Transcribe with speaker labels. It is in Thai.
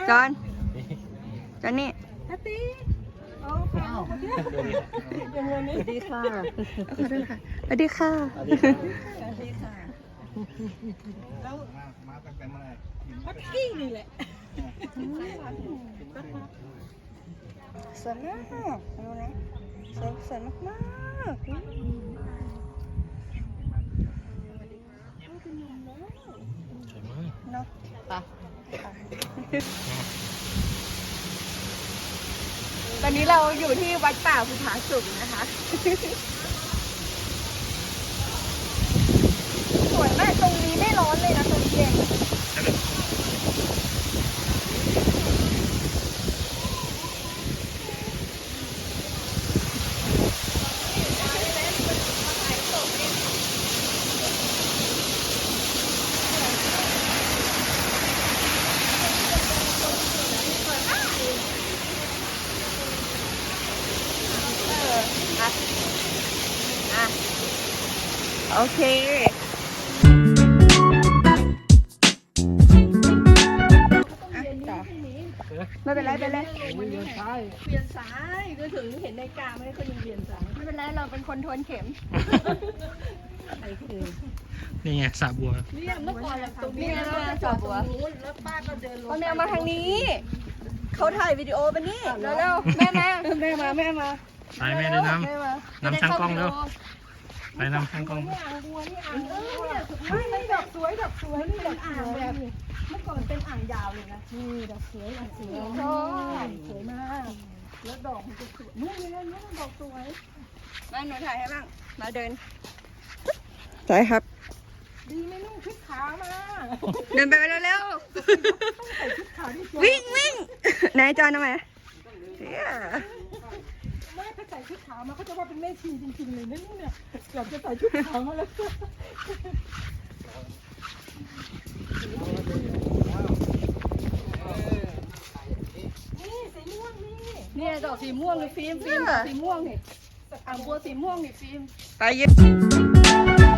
Speaker 1: จอนนี่
Speaker 2: อาตีโอ้ค่ะสวัสดีค่ะ
Speaker 1: ขอโทษค่ะสวัสดีค่ะ
Speaker 2: แล้วพักกี้นี่แหละ
Speaker 1: สวยมากดูนะสวยมากเนาะตอนนี้เราอยู่ที่วัดป่าภูผาสุกนะคะสวยมากตรงนี้ไม่ร้อนเลยนะตรงนี้เองโอเคไม่เป็นไรไปเลยเวียนซ้ายก็ถึงเห็นในกาไม่เขายังเวียนซ้ายไม่เป็นไรเราเป็นคนทวนเข็ม
Speaker 3: นี่ไงสระบัว
Speaker 2: เนี่ยเมื่อก่อนเราตรงนี้เราจอดตรงนู้นแล้วป้าก็เดินลง
Speaker 1: พ่อแมวมาทางนี้เขาถ่ายวิดีโอไปนี่เร็วๆแม่มา
Speaker 3: ไปแม่ได้นำช่างกล้องเร็วไปนำช่างกล้อง
Speaker 2: ไม่ดอกสวยนี่ดอกอ่างแบบเมื่อก่อนเป็นอ่างยาวเลยนะนี่ดอกสวยสวยมากแล้วดอกมันจะสวยนู่นเลยนู่นดอกสวย
Speaker 1: มาหนูถ่ายให้บ้างมาเดินถ่ายครับ
Speaker 2: ดีไม่นุ่งชุดขาวมา
Speaker 1: เดินไปเร็วๆวิ่งไหนจอนทำไม
Speaker 2: ไม่ถ้าใส่ชุดขาวมาเขาจะว่าเป็นแม่ชีจริงๆเลยนะเนี่ยเกือบจะใส่ชุดขาวมาแล้วนี่สีม่วงนี่ดอกสีม่วงเลยฟิล์มสีม่วงนี่อ่างบัวสีม่วงนี่ฟิล์ม
Speaker 1: ไปยืน